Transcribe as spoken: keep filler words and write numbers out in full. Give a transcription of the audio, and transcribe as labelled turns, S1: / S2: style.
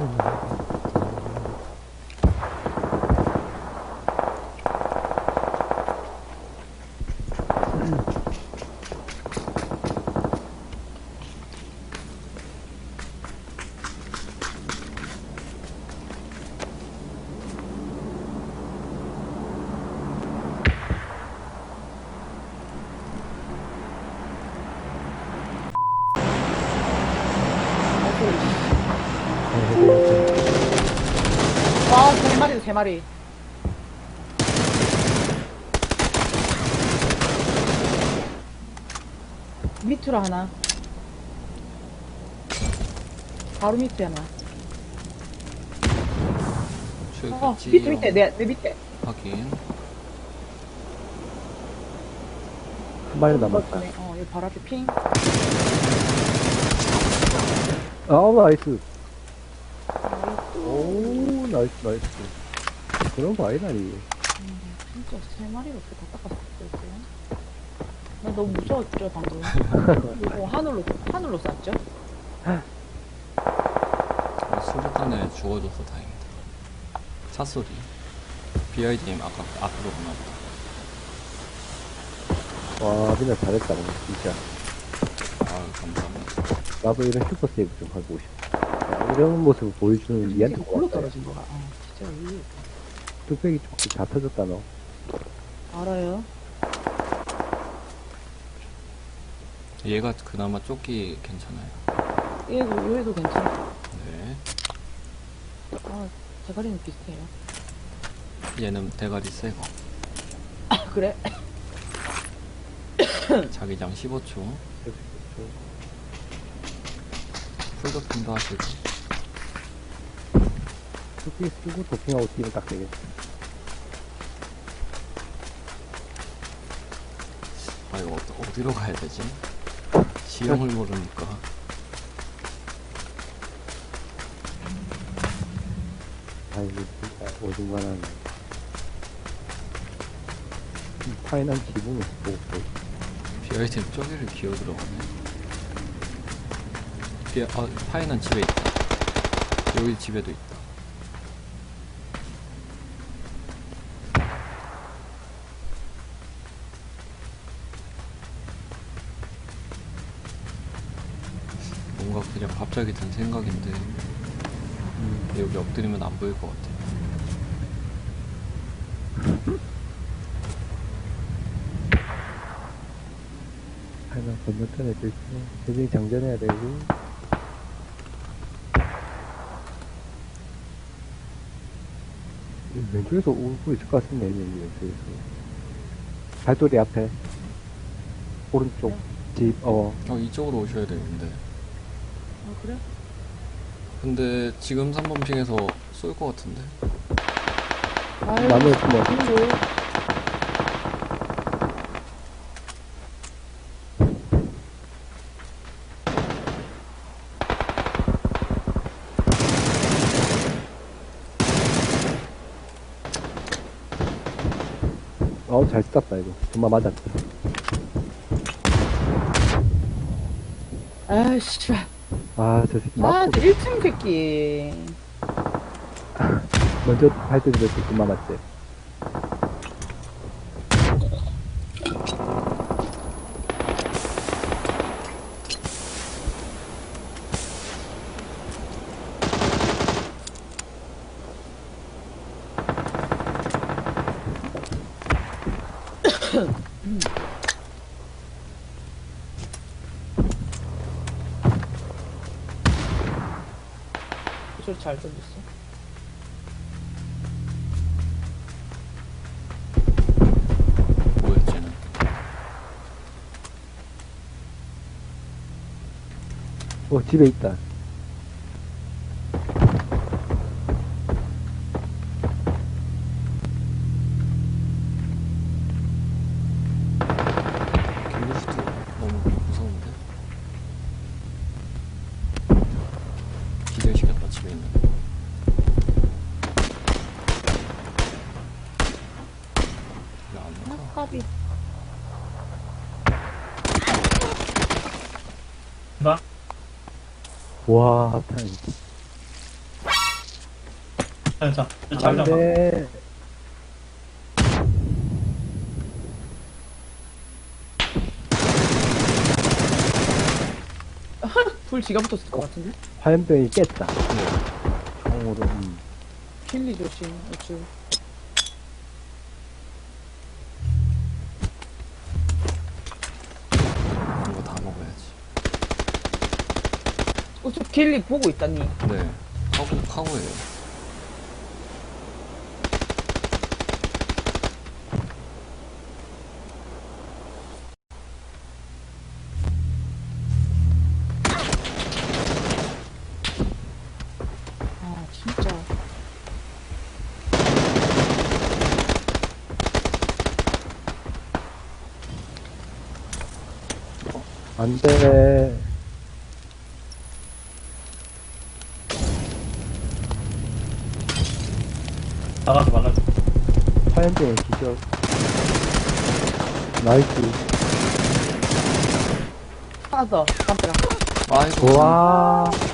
S1: 와, 세 마리다, 세 마리. 밑으로 하나. 바로 밑에 하나. 어, 밑에, 밑에, 내, 내 밑에.
S2: 확인.
S3: 한 마리 남았다.
S1: 어, 여기 바로 앞에 핑.
S3: 아우, 나이스. 오, 나이스, 나이스. 그런 거 아니다니.
S1: 음, 진짜 세 마리가 어떻게 다 닦았었어요? 나 너무 무서웠죠, 방금. 이거 하늘로, 하늘로 쐈죠?
S2: 수류탄에 죽어줘서 다행이다. 차 소리. 비아이디님 아까 앞으로 보나보다.
S3: 와, 민아 잘했다, 오늘, 진짜.
S2: 아유, 감사합니다.
S3: 나도 이런 슈퍼 세이브 좀 하고 싶어. 야, 이런 모습을 보여주는 이한테
S1: 이게 굴러
S3: 고맙다.
S1: 떨어진 거야. 어, 진짜 이
S3: 뚝배기 쪽지 다 터졌다, 너.
S1: 알아요?
S2: 얘가 그나마 조끼 괜찮아요.
S1: 얘, 얘도 괜찮아.
S2: 네.
S1: 아, 대가리는 비슷해요.
S2: 얘는 대가리 새거.
S1: 아, 그래?
S2: 자기장 십오 초. 풀도핑도 하시고.
S3: 뚝배기 쓰고 도핑하고 뛰면 딱 되겠다.
S2: 아, 이거 어, 어디로 가야 되지? 지형을 모르니까.
S3: 아이고, 진짜, 오중간한. 파이난 기분이 보고,
S2: 비아이디님 저기를 기어 들어가네. 비아, 아, 파이는 집에 있다. 여기 집에도 있다. 뭔가 그냥 갑자기 든 생각인데
S3: 음,
S2: 여기 엎드리면 안 보일 것 같아.
S3: 파이난 건너편에 도 있고, 대중이 장전해야 되고, 왼쪽에서 울고 있을 것 같은데, 왼쪽에서. 발소리 앞에. 오른쪽. 집, 어.
S2: 어, 이쪽으로 오셔야 되는데.
S1: 아, 그래?
S2: 근데 지금 삼 번 핑에서 쏠 것 같은데.
S1: 아유,
S3: 나무에 숨어.
S1: 친구.
S3: 어우, 잘 쐈다, 이거. 정말 맞았다.
S1: 아이씨.
S3: 아, 저 새끼
S1: 아,
S3: 맞고,
S1: 저 일 층 새끼.
S3: 먼저 발전기를 정말 맞지.
S1: 소리 잘 들렸어.
S2: 뭐였지는.
S3: 어, 집에 있다.
S2: 길루스트 너무 무서운데? 기절시켰다, 집에 있는. 왜안 가?
S1: 아깝이.
S3: 와, 탄.
S4: 자, 자,
S3: 안
S4: 자기장 봐.
S3: 돼.
S1: 불 지가 붙었을 것 같은데?
S3: 화염병이 깼다.
S2: 네.
S3: 총으로. 음.
S1: 킬리 조심, 우측.
S2: 이거 다 먹어야지.
S1: 우측 킬리 보고 있다니.
S2: 네. 카고, 카고예요.
S1: 아, 진짜.
S3: 안 돼.
S4: 나가지 말라고.
S3: 화염병은 기절. 나이스.
S1: 하나 더, 담벼락.
S2: 아이고.
S3: 와.